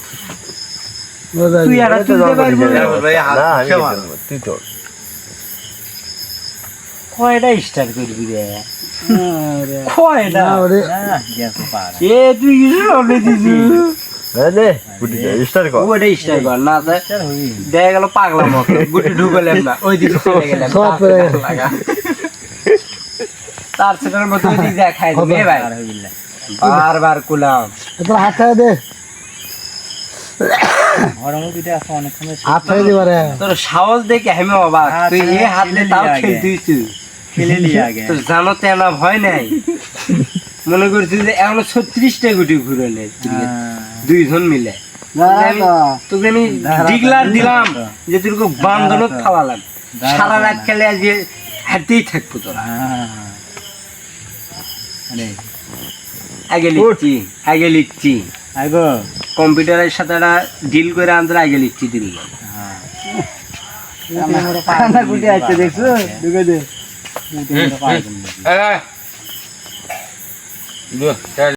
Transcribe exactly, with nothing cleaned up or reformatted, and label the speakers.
Speaker 1: তুই আর তুলতে পারবি না
Speaker 2: ভাই হাত খেলা তুই তো
Speaker 1: কয়টা স্টার করবি রে কয়টা
Speaker 3: ওরে
Speaker 1: এ তুই কিছু হবে দিছি
Speaker 2: আরে গুটি স্টার কর
Speaker 1: ওটা স্টার কর না দেখা গেল পাগলা মতো গুটি ঢুকলেন না ওই দিকে চলে গেলেন
Speaker 3: সব পড়ে গেল।
Speaker 1: তার সেটার মতো ওই দিক দিয়ে খাই দিবে ভাই বারবার কুলাম
Speaker 3: তোর হাত খাই দে হাত খাই দে বারে
Speaker 1: তোর সাহস দেখে আমি অবাক তুই এ হাত দিয়ে তাও খেলতিস
Speaker 4: খেলে নিয়ে আগে
Speaker 1: তোর জানো তেনা ভয় নাই মনে করছিস যে এখনো ছত্রিশটা গুটি ঘুরে নেই দুইজন মিলে তোকে আমি ডিগলার দিলাম যে তুই বান্ধনত খাওয়া লাগবে সারা রাত খেলে আজকে হাঁটতেই থাকবো তোরা আগে লিখছি আগে লিখছি
Speaker 4: আগো
Speaker 1: কম্পিউটারের সাথে একটা ডিল করে আনতে আগে লিখছি দিল
Speaker 3: কানা গুটি আছে দেখছো ঢুকে দে
Speaker 2: এই